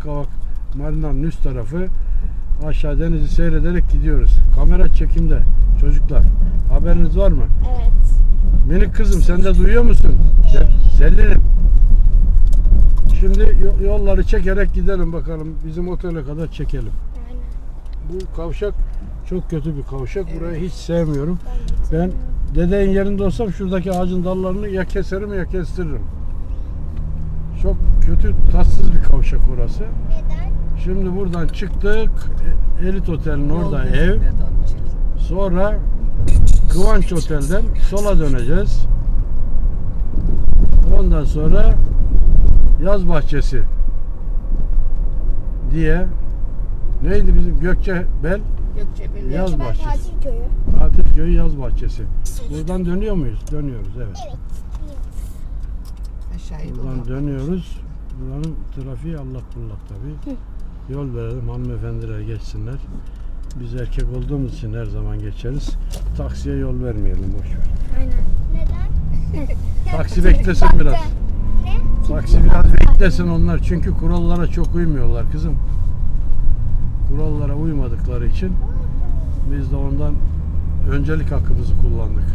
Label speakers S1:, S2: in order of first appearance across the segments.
S1: Yalıkavak Marina'nın üst tarafı. Aşağı denizi seyrederek gidiyoruz. Kamera çekimde çocuklar. Haberiniz var mı?
S2: Evet.
S1: Minik kızım sen de duyuyor musun? Selin'im. Şimdi yolları çekerek gidelim bakalım. Bizim otele kadar çekelim.
S2: Aynen.
S1: Bu kavşak çok kötü bir kavşak. Burayı hiç sevmiyorum. Ben dedenin yerinde olsam şuradaki ağacın dallarını ya keserim ya kestiririm. Çok kötü, tatsız bir kavşak orası.
S2: Neden?
S1: Şimdi buradan çıktık. Elit Otel'in orada ev. Sonra Kıvanç Otel'den sola döneceğiz. Ondan sonra Yaz Bahçesi diye neydi bizim Gökçebel Yaz Bahçesi.
S2: Tatil köyü.
S1: Tatil köyü Yaz Bahçesi. Buradan dönüyor muyuz? Dönüyoruz evet.
S2: Evet.
S1: Buradan dönüyoruz. Buranın trafiği allak bullak tabii. Yol verelim hanımefendiler geçsinler. Biz erkek olduğumuz için her zaman geçeriz. Taksiye yol vermeyelim boşver.
S2: Aynen. Neden?
S1: Taksi beklesin biraz.
S2: Ne?
S1: Taksi biraz beklesin onlar çünkü kurallara çok uymuyorlar kızım. Kurallara uymadıkları için biz de ondan öncelik hakkımızı kullandık.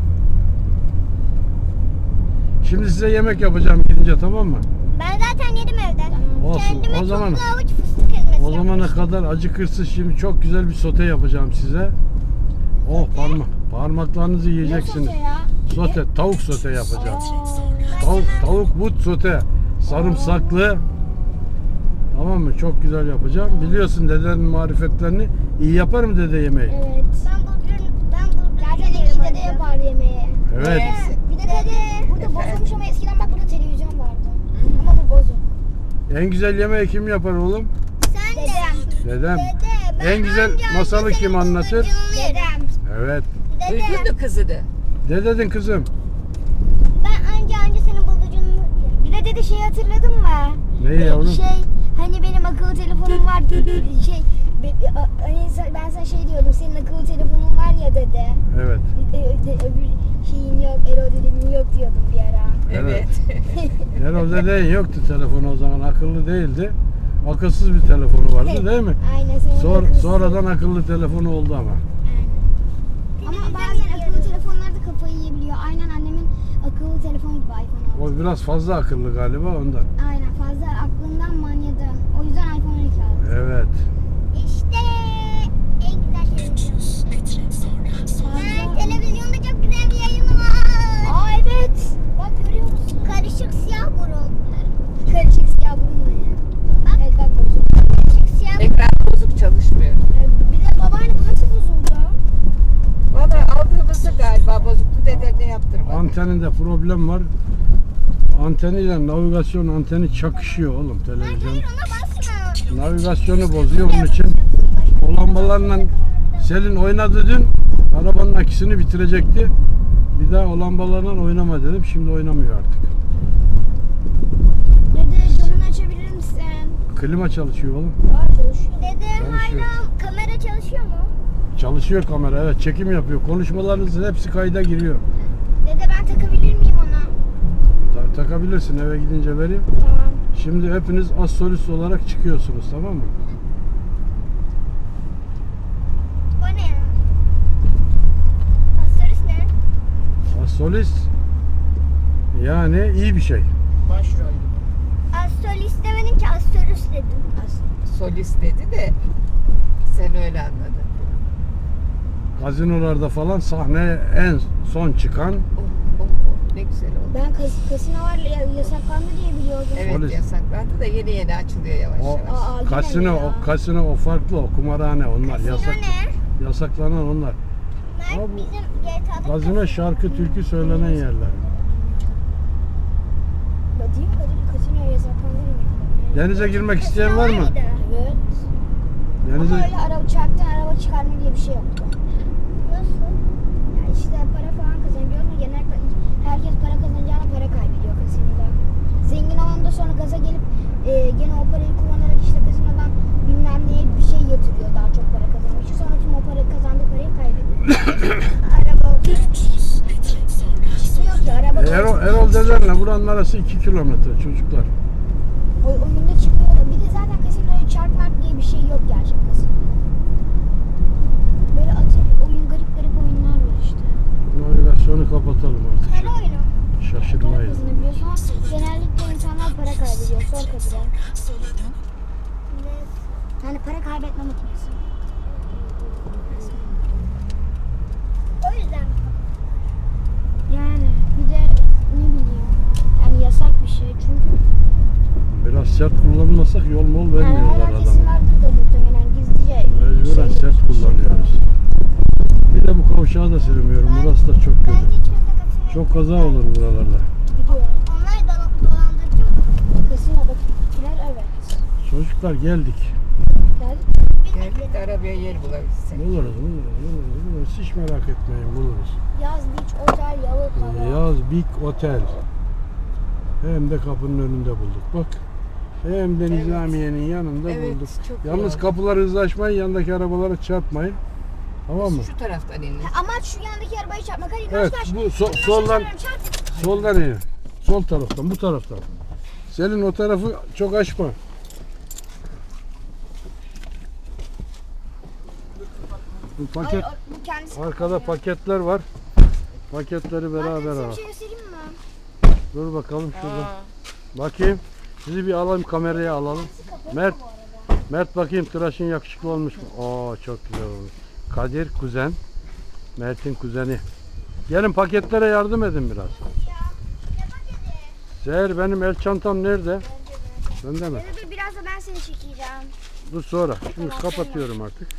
S1: Şimdi size yemek yapacağım gidince tamam mı?
S2: Ben zaten yedim evden.
S1: Olsun.
S2: Kendime
S1: O zaman
S2: tuzlu avuç fıstık ezmesi
S1: o zamana kadar acıkırsız şimdi çok güzel bir sote yapacağım size. Oh parmaklarınızı yiyeceksiniz. Sote, tavuk sote yapacağım. Tavuk but sote, sarımsaklı. Tamam mı? Çok güzel yapacağım. Biliyorsun dedenin marifetlerini. İyi yapar mı dede yemeği?
S2: Evet. Ben zaten iyi dede yapar yemeği.
S1: Evet.
S2: Bir de dede burada bozulmuş ama eskiden bak burada televizyon vardı. Ama bu bozuk.
S1: En güzel yemeği kim yapar oğlum?
S2: Sen dedem.
S1: Dedem.
S2: Dede.
S1: En güzel masalı kim anlatır?
S2: Dedem.
S1: Evet.
S3: Duydun mu kızını?
S1: Ne dedin kızım?
S2: Ben anca senin bulucunu... Bir de dede şeyi hatırladın mı?
S1: Neyi yavrum?
S2: Hani benim akıllı telefonum var. Hani ben sana şey diyordum. Senin akıllı telefonun var ya dede.
S1: Evet.
S2: Öbür şeyin yok. Erol dedemin yok diyordum bir ara.
S3: Evet.
S1: Erol dedenin yoktu telefonu o zaman. Akıllı değildi. Akılsız bir telefonu vardı değil mi?
S2: Aynen.
S1: Sonradan akıllı telefonu oldu ama.
S2: Ama bazen akıllı telefonlar da kafayı yiyebiliyor. Aynen annemin akıllı telefonu gibi iPhone 6.
S1: O biraz fazla akıllı galiba ondan.
S2: Aynen fazla aklından manyadı. O yüzden iPhone 12 aldı.
S1: Evet.
S2: İşte en güzel televizyon. Televizyonda çok güzel bir yayın var. Aa evet. Bak görüyor musun? Karışık siyah burun. Karışık siyah burun ne ya? Bak. Evet bak bozuk. Karışık siyah burun.
S3: Ekran bozuk çalışmıyor.
S2: Bir de babaanne bu nasıl bozuldu?
S3: Valla aldığımızda galiba bozuktu, dede ne yaptırmadı.
S1: Anteninde problem var. Anteniyle navigasyon anteni çakışıyor oğlum televizyon.
S2: Hayır ona basma.
S1: Navigasyonu bozuyor bunun için. O lambalarla Selin oynadı dün. Arabanın akisini bitirecekti. Bir daha o lambalarla oynama dedim. Şimdi oynamıyor artık.
S2: Dede camını açabilir misin?
S1: Klima çalışıyor oğlum.
S2: Dede
S1: Çalışıyor.
S2: hala kamera çalışıyor mu?
S1: Çalışıyor kamera evet çekim yapıyor. Konuşmalarınızın hepsi kayda giriyor.
S2: Dede ben takabilir miyim ona?
S1: Takabilirsin eve gidince vereyim.
S2: Tamam.
S1: Şimdi hepiniz az solist olarak çıkıyorsunuz tamam mı?
S2: O ne ya? Pastorist ne?
S1: Az solist yani iyi bir şey.
S3: Başrol.
S2: Astrolist demedin ki astrolist dedim.
S3: Solist dedi de sen öyle anladın.
S1: Gazinolarda falan sahneye en son çıkan
S3: Ne güzel oldu.
S2: Ben kasinolar yasaklandı diye biliyordum.
S3: Evet
S1: Polis.
S3: yasaklandı da yeni açılıyor yavaş
S1: o
S3: yavaş.
S2: Aa, yine
S1: kasino,
S2: mi ya?
S1: o kasino o farklı o kumarhane onlar
S2: Kasino
S1: yasak.
S2: ne?
S1: Yasaklanan onlar.
S2: Mert
S1: Abi,
S2: bizim GTA'da
S1: Gazino şarkı türkü söylenen yerler.
S2: Değil mi? Kasino yasaklandı mı?
S1: Denize girmek isteyen var mı?
S2: Evet.
S1: Denize
S2: Ama öyle çarktan araba çıkarma diye bir şey yoktu. Nasıl? Yani işte para falan kazanıyorsun. Genellikle herkes para kazanacağına para kaybediyor kasinoda. Zengin olan da sonra gaza gelip gene o parayı kullanarak işte kasinodan bilmem neye bir şey yatırıyor daha çok para kazanmak için. Sonra tüm o para kazandığı parayı kaybediyor. Araba çıkmıyor ki araba.
S1: Erol dedenle buranın arası 2 kilometre çocuklar.
S2: O günde çıkıyor. Bir de zaten Yani para kaybetme makinesi. O yüzden. Yani bir de ne bileyim. Yani yasak bir şey çünkü.
S1: Biraz sert kullanmasak yol mol
S2: Yani
S1: vermiyorlar
S2: hala kesim
S1: adama.
S2: vardır da muhtemelen gizlice.
S1: Mecburen
S2: şey-
S1: sert kullanıyoruz. Bir de bu kavşağı da sürmüyorum. Burası da çok kötü. Çok kaza olur buralarda.
S2: Gidiyor. Onlar dolandırıcı mı? Kasinoda'dakiler evet.
S1: Çocuklar geldik.
S2: Geldik.
S3: Geldik de arabaya yer bulabilsek.
S1: Buluruz. Hiç merak etmeyin, buluruz.
S2: Yaz Beach Otel Yalıkava.
S1: Yaz Big Otel. Hem de kapının önünde bulduk. Bak. Hem de Nizamiye'nin yanında
S3: Evet,
S1: bulduk.
S3: çok
S1: Yalnız
S3: iyi.
S1: kapıları hızlı açmayın, yandaki arabalara çarpmayın. Tamam mı?
S3: Şu taraftan inin.
S2: Amaç şu yandaki arabayı çarpmak. Hadi
S1: Evet,
S2: kaç.
S1: bu soldan soldan in. Sol taraftan, bu taraftan. Selin o tarafı çok açma. Bu paket,
S2: Bu kendisi.
S1: arkada paketler var. Paketleri beraber
S2: Size
S1: al.
S2: bir şey göstereyim mi?
S1: Dur bakalım şurada. Bakayım. Sizi bir alalım, kameraya alalım. Mert, Mert bakayım tıraşın yakışıklı olmuş mu? Oo çok güzel olmuş. Kadir kuzen. Mert'in kuzeni. Gelin paketlere yardım edin biraz. Seher benim el çantam nerede? Bende mi?
S2: Dur biraz da ben seni çekeceğim.
S1: Dur sonra. Şimdi kapatıyorum artık.